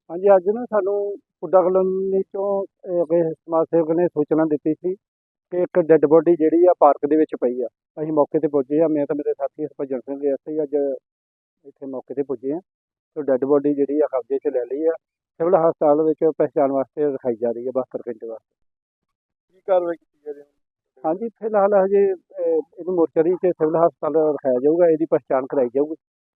ਹਾਂਜੀ, ਅੱਜ ਨਾ ਸਾਨੂੰ ਪੁੱਡਾ ਕਲੋਨੀ ਚੋਂ ਕਿਸੇ ਸਮਾਜ ਸੇਵਕ ਨੇ ਸੂਚਨਾ ਦਿੱਤੀ ਸੀ ਕਿ ਇੱਕ ਡੈੱਡ ਬੋਡੀ ਜਿਹੜੀ ਆ ਪਾਰਕ ਦੇ ਵਿੱਚ ਪਈ ਆ। ਅਸੀਂ ਮੌਕੇ ਤੇ ਪੁੱਜੇ ਆ, ਮੈਂ ਤਾਂ ਮੇਰੇ ਸਾਥੀ ਹਰਭਜਨ ਸਿੰਘ ਅਸੀਂ ਅੱਜ ਇੱਥੇ ਮੌਕੇ ਤੇ ਪੁੱਜੇ ਆ ਤੇ ਡੈੱਡ ਬੋਡੀ ਜਿਹੜੀ ਆ ਕਬਜ਼ੇ 'ਚ ਲੈ ਲਈ ਆ। ਸਿਵਲ ਹਸਪਤਾਲ ਵਿੱਚ ਪਹਿਚਾਣ ਵਾਸਤੇ ਰਖਾਈ ਜਾ ਰਹੀ ਹੈ 72 ਘੰਟੇ ਵਾਸਤੇ। ਕੀ ਕਾਰਵਾਈ ਕੀਤੀ ਜਾ ਰਹੀ ਹੈ? ਹਾਂਜੀ, ਫਿਲਹਾਲ ਹਜੇ ਇਹਨੂੰ ਮੋਰਚਰੀ 'ਚ ਸਿਵਲ ਹਸਪਤਾਲ ਰਖਾਇਆ ਜਾਊਗਾ, ਇਹਦੀ ਪਹਿਚਾਣ ਕਰਾਈ ਜਾਊਗੀ।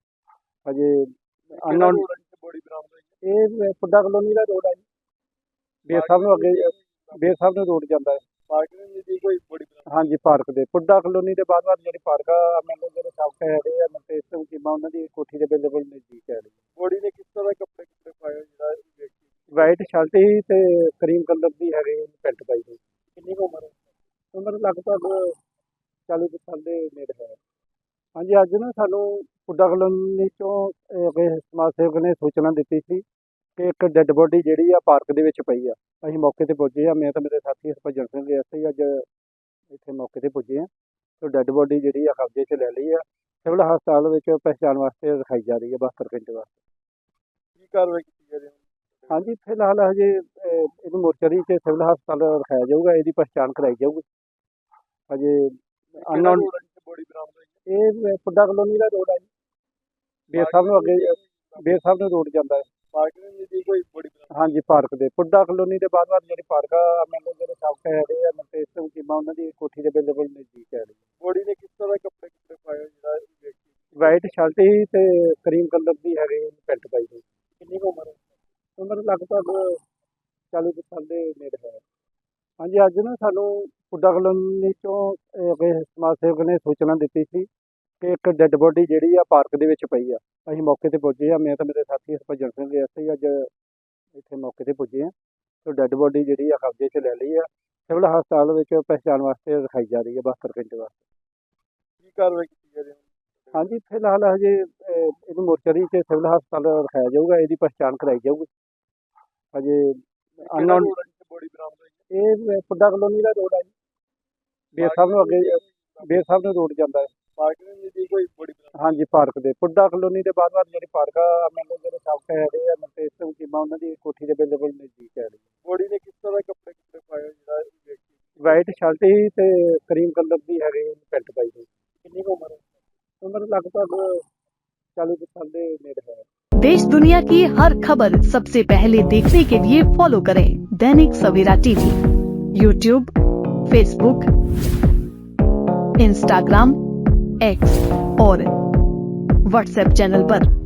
ਹਜੇ ਅਨਨੋਨ ਬੋਡੀ ਬਰਾਮਦ ਹੋਈ ਹੈ। ਇਹ ਪੁੱਡਾ ਕਲੋਨੀ ਦਾ ਰੋਡ ਆ ਜੀ, ਬੇਰ ਸਾਹਿਬ ਨੂੰ ਅੱਗੇ ਬੇਰ ਸਾਹਿਬ ਨੂੰ ਰੋਡ ਜਾਂਦਾ ਹੈ। ਪਾਰਕ ਦੇ ਨਜ਼ਦੀਕ ਕੋਈ ਬੋਡੀ ਬਰਾਮਦ ਹਾਂਜੀ, ਪਾਰਕ ਦੇ ਪੁੱਡਾ ਕਲੋਨੀ ਦੇ ਬਾਅਦ ਜਿਹੜੀ ਪਾਰਕ ਆ, ਮੈਨੂੰ ਜਿਹੜੇ ਸਾਬਕਾ ਹੈਗੇ ਆ ਮਨਤੇਜ ਸਿੰਘ ਚੀਮਾ, ਉਹਨਾਂ ਦੀ ਕੋਠੀ ਦੇ ਬਿਲਕੁਲ ਨਜ਼ਦੀਕ ਹੈ। ਬੋਡੀ ਨੇ ਕਿਸ ਤਰ੍ਹਾਂ ਦੇ ਕੱਪੜੇ ਪਾਏ ਹੋਏ ਜਿਹੜਾ ਇਹ ਵਿਅਕਤੀ? ਵਾਈਟ ਸ਼ਰਟ ਹੀ ਤੇ ਕਰੀਮ ਕਲਰ ਦੀ ਹੈਗੀ ਪੈਂਟ ਪਾਈ ਹੋਈ। ਕਿੰਨੀ ਕੁ ਉਮਰ ਹੈ? ਉਮਰ ਲਗਭਗ 40 ਕੁ ਸਾਲ ਦੇ ਨੇੜੇ ਹੈ। ਹਾਂਜੀ, ਅੱਜ ਨਾ ਸਾਨੂੰ ਪੁੱਡਾ ਕਲੋਨੀ ਚੋਂ ਕਿਸੇ ਸਮਾਜ ਸੇਵਕ ਨੇ ਸੂਚਨਾ ਦਿੱਤੀ ਸੀ ਕਿ ਇੱਕ ਡੈੱਡ ਬੋਡੀ ਜਿਹੜੀ ਆ ਪਾਰਕ ਦੇ ਵਿੱਚ ਪਈ ਆ। ਅਸੀਂ ਮੌਕੇ ਤੇ ਪੁੱਜੇ ਆ, ਮੈਂ ਤਾਂ ਮੇਰੇ ਸਾਥੀ ਹਰਭਜਨ ਸਿੰਘ ਅਸੀਂ ਅੱਜ ਇੱਥੇ ਮੌਕੇ ਤੇ ਪੁੱਜੇ ਆ ਤੇ ਡੈੱਡ ਬੋਡੀ ਜਿਹੜੀ ਆ ਕਬਜ਼ੇ 'ਚ ਲੈ ਲਈ ਆ। ਸਿਵਲ ਹਸਪਤਾਲ ਵਿੱਚ ਪਹਿਚਾਣ ਵਾਸਤੇ ਰਖਾਈ ਜਾ ਰਹੀ ਹੈ 72 ਘੰਟੇ ਵਾਸਤੇ। ਕੀ ਕਾਰਵਾਈ ਕੀਤੀ ਜਾ ਰਹੀ ਹੈ? ਹਾਂਜੀ, ਫਿਲਹਾਲ ਹਜੇ ਇਹਨੂੰ ਮੋਰਚਰੀ 'ਚ ਸਿਵਲ ਹਸਪਤਾਲ ਰਖਾਇਆ ਜਾਊਗਾ, ਇਹਦੀ ਪਹਿਚਾਣ ਕਰਾਈ ਜਾਊਗੀ। ਹਜੇ ਅਨਨੋਨ ਬੋਡੀ ਬਰਾਮਦ ਹੋਈ ਹੈ। ਇਹ ਪੁੱਡਾ ਕਲੋਨੀ ਦਾ ਰੋਡ ਆ ਜੀ, ਬੇਰ ਸਾਹਿਬ ਨੂੰ ਅੱਗੇ ਬੇਰ ਸਾਹਿਬ ਨੂੰ ਰੋਡ ਜਾਂਦਾ ਹੈ। ਪਾਰਕ ਦੇ ਨਜ਼ਦੀਕ ਕੋਈ ਬੋਡੀ ਬਰਾਮਦ? ਹਾਂਜੀ, ਪਾਰਕ ਦੇ ਪੁੱਡਾ ਕਲੋਨੀ ਦੇ ਬਾਅਦ ਜਿਹੜੀ ਪਾਰਕ ਆ, ਮੈਨੂੰ ਜਿਹੜੇ ਸਾਬਕਾ ਹੈਗੇ ਆ ਮਨਤੇਜ ਸਿੰਘ ਚੀਮਾ, ਉਹਨਾਂ ਦੀ ਕੋਠੀ ਦੇ ਬਿਲਕੁਲ ਨਜ਼ਦੀਕ ਹੈ। ਬੋਡੀ ਨੇ ਕਿਸ ਤਰ੍ਹਾਂ ਦੇ ਕੱਪੜੇ ਪਾਏ ਹੋਏ ਜਿਹੜਾ ਇਹ ਵਿਅਕਤੀ? ਵਾਈਟ ਸ਼ਰਟ ਹੀ ਤੇ ਕਰੀਮ ਕਲਰ ਦੀ ਹੈਗੀ ਪੈਂਟ ਪਾਈ ਹੋਈ। ਕਿੰਨੀ ਕੁ ਉਮਰ ਹੈ? ਉਮਰ ਲਗਭਗ 40 ਕੁ ਸਾਲ ਦੇ ਨੇੜੇ ਹੈ। ਹਾਂਜੀ, ਅੱਜ ਨਾ ਸਾਨੂੰ ਪੁੱਡਾ ਕਲੋਨੀ ਚੋਂ ਕਿਸੇ ਸਮਾਜ ਸੇਵਕ ਨੇ ਸੂਚਨਾ ਦਿੱਤੀ ਸੀ ਕਿ ਇੱਕ ਡੈੱਡ ਬੋਡੀ ਜਿਹੜੀ ਆ ਪਾਰਕ ਦੇ ਵਿੱਚ ਪਈ ਆ। ਅਸੀਂ ਮੌਕੇ ਤੇ ਪੁੱਜੇ ਆ, ਮੈਂ ਤਾਂ ਮੇਰੇ ਸਾਥੀ ਹਰਭਜਨ ਸਿੰਘ ਅਸੀਂ ਅੱਜ ਇੱਥੇ ਮੌਕੇ ਤੇ ਪੁੱਜੇ ਆ ਤੇ ਡੈੱਡ ਬੋਡੀ ਜਿਹੜੀ ਆ ਕਬਜ਼ੇ 'ਚ ਲੈ ਲਈ ਆ। ਸਿਵਲ ਹਸਪਤਾਲ ਵਿੱਚ ਪਹਿਚਾਣ ਵਾਸਤੇ ਰਖਾਈ ਜਾ ਰਹੀ ਹੈ 72 ਘੰਟੇ ਵਾਸਤੇ। ਕੀ ਕਾਰਵਾਈ ਕੀਤੀ ਜਾ ਰਹੀ ਹੈ? ਹਾਂਜੀ, ਫਿਲਹਾਲ ਹਜੇ ਇਹਨੂੰ ਮੋਰਚਰੀ 'ਚ ਸਿਵਲ ਹਸਪਤਾਲ ਰਖਾਇਆ ਜਾਊਗਾ, ਇਹਦੀ ਪਹਿਚਾਣ ਕਰਾਈ ਜਾਊਗੀ। ਹਜੇ ਅਨਨੋਨ ਬੋਡੀ ਬਰਾਮਦ ਹੋਈ ਹੈ। ਇਹ ਪੁੱਡਾ ਕਲੋਨੀ ਦਾ ਰੋਡ ਆ ਜੀ, ਬੇਰ ਸਾਹਿਬ ਨੂੰ ਅੱਗੇ ਬੇਰ ਸਾਹਿਬ ਨੂੰ ਰੋਡ ਜਾਂਦਾ ਹੈ। ਪਾਰਕ ਦੇ ਨਜ਼ਦੀਕ ਕੋਈ ਬੋਡੀ ਬਰਾਮਦ? ਹਾਂਜੀ, ਪਾਰਕ ਦੇ ਪੁੱਡਾ ਕਲੋਨੀ ਦੇ ਬਾਅਦ ਜਿਹੜੀ ਪਾਰਕ ਆ, ਮੈਨੂੰ ਜਿਹੜੇ ਸਾਬਕਾ ਹੈਗੇ ਆ ਮਨਤੇਜ ਸਿੰਘ ਚੀਮਾ, ਉਹਨਾਂ ਦੀ ਕੋਠੀ ਦੇ ਬਿਲਕੁਲ ਨਜ਼ਦੀਕ ਹੈ। ਬੋਡੀ ਨੇ ਕਿਸ ਤਰ੍ਹਾਂ ਦੇ ਕੱਪੜੇ ਪਾਏ ਹੋਏ ਜਿਹੜਾ ਇਹ ਵਿਅਕਤੀ? ਵਾਈਟ ਸ਼ਰਟ ਹੀ ਤੇ ਕਰੀਮ ਕਲਰ ਦੀ ਹੈਗੀ ਪੈਂਟ ਪਾਈ ਹੋਈ। ਕਿੰਨੀ ਕੁ ਉਮਰ ਹੈ? ਉਮਰ ਲਗਭਗ 40 ਕੁ ਸਾਲ ਦੇ ਨੇੜੇ है। देश दुनिया की हर खबर सबसे पहले देखने के लिए फॉलो करें Dainik Savera TV, YouTube, Facebook, Instagram, X और व्हाट्सएप चैनल पर।